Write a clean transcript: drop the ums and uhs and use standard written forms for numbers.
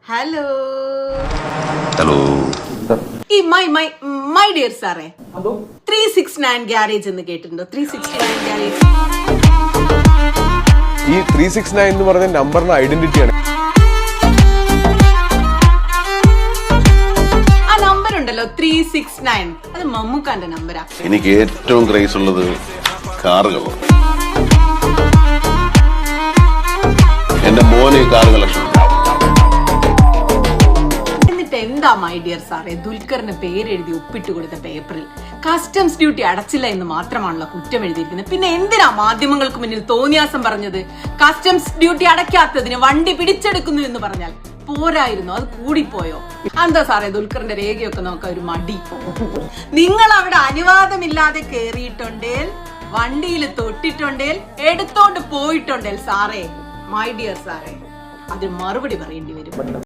Hello hello ഈ my dear സാറേ 369 garage എന്ന് കേട്ടിട്ടുണ്ടോ? 369 ഗ്യാരേജ്. ഈ 369 എന്ന് പറഞ്ഞ നമ്പറിന്റെ ഐഡന്റിറ്റിയാണ്. ആ നമ്പർ ഉണ്ടല്ലോ 369, അത് മമ്മൂക്കാന്റെ നമ്പരാ. എനിക്ക് ഏറ്റവും ക്രേസ് ഉള്ളത് കാറുകളാണ്. എന്റെ മോന് കാർ കളക്ഷൻ. എന്നിട്ട് എന്താ മൈ ഡിയർ സാറേ ദുൽഖറിന് പേരെഴുതി ഒപ്പിട്ട് കൊടുത്ത പേപ്പറിൽ കസ്റ്റംസ് ഡ്യൂട്ടി അടച്ചില്ല എന്ന് മാത്രമാണല്ലോ കുറ്റം എഴുതിയിരിക്കുന്നത്. പിന്നെ എന്തിനാ മാധ്യമങ്ങൾക്ക് മുന്നിൽ തോന്നിയാസം പറഞ്ഞത്? കസ്റ്റംസ് ഡ്യൂട്ടി അടയ്ക്കാത്തതിന് വണ്ടി പിടിച്ചെടുക്കുന്നു എന്ന് പറഞ്ഞാൽ പോരായിരുന്നു, അത് കൂടിപ്പോയോ? എന്താ സാറേ ദുൽഖറിന്റെ രേഖയൊക്കെ നോക്കാൻ ഒരു മടി? നിങ്ങൾ അവിടെ അനുവാദമില്ലാതെ കേറിയിട്ടുണ്ടേൽ, വണ്ടിയിൽ തൊട്ടിട്ടുണ്ടേൽ, എടുത്തോണ്ട് പോയിട്ടുണ്ടേൽ സാറേ, മൈ ഡിയർ സാറേ, അതിന് മറുപടി പറയേണ്ടി വരും.